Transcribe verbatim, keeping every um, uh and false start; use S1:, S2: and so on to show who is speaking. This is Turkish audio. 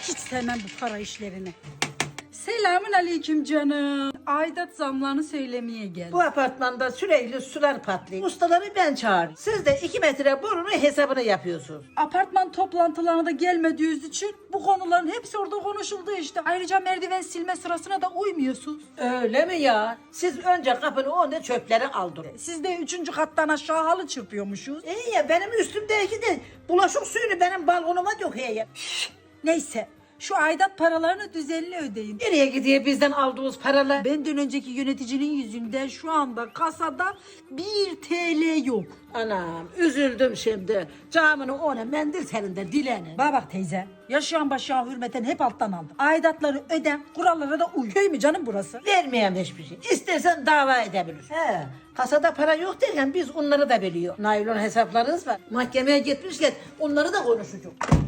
S1: Hiç sevmem bu para işlerini. Selamun aleyküm canım. Aidat zamlarını söylemeye geldim.
S2: Bu apartmanda sürekli sular patlıyor. Ustaları ben çağırıyorum. Siz de iki metre borunun hesabını yapıyorsunuz.
S1: Apartman toplantılarına da gelmediğiniz için bu konuların hepsi orada konuşuldu işte. Ayrıca merdiven silme sırasına da uymuyorsunuz.
S2: Öyle mi ya? Siz önce kapının önünde çöpleri aldırın.
S1: Siz de üçüncü kattan aşağı halı çırpıyormuşsunuz.
S2: İyi ya, benim üstümdeki de bulaşık suyunu benim balkonuma döküyor ya.
S1: Neyse, şu aidat paralarını düzenli ödeyin.
S2: Nereye gidiyor bizden aldığımız paralar?
S1: Benden önceki yöneticinin yüzünden şu anda kasada bir T L yok.
S2: Anam, üzüldüm şimdi. Camının ona mendil telinde dilenin.
S1: Bana bak teyze, yaşayan başayan hürmeten hep alttan aldım. Aidatları öden, kurallara da uy. Köy mü canım burası?
S2: Vermeyeyim hiçbir şey. İstersen dava edebilir. He, kasada para yok derken biz onları da biliyor. Naylon hesaplarınız var. Mahkemeye gitmişken onları da konuşacağız.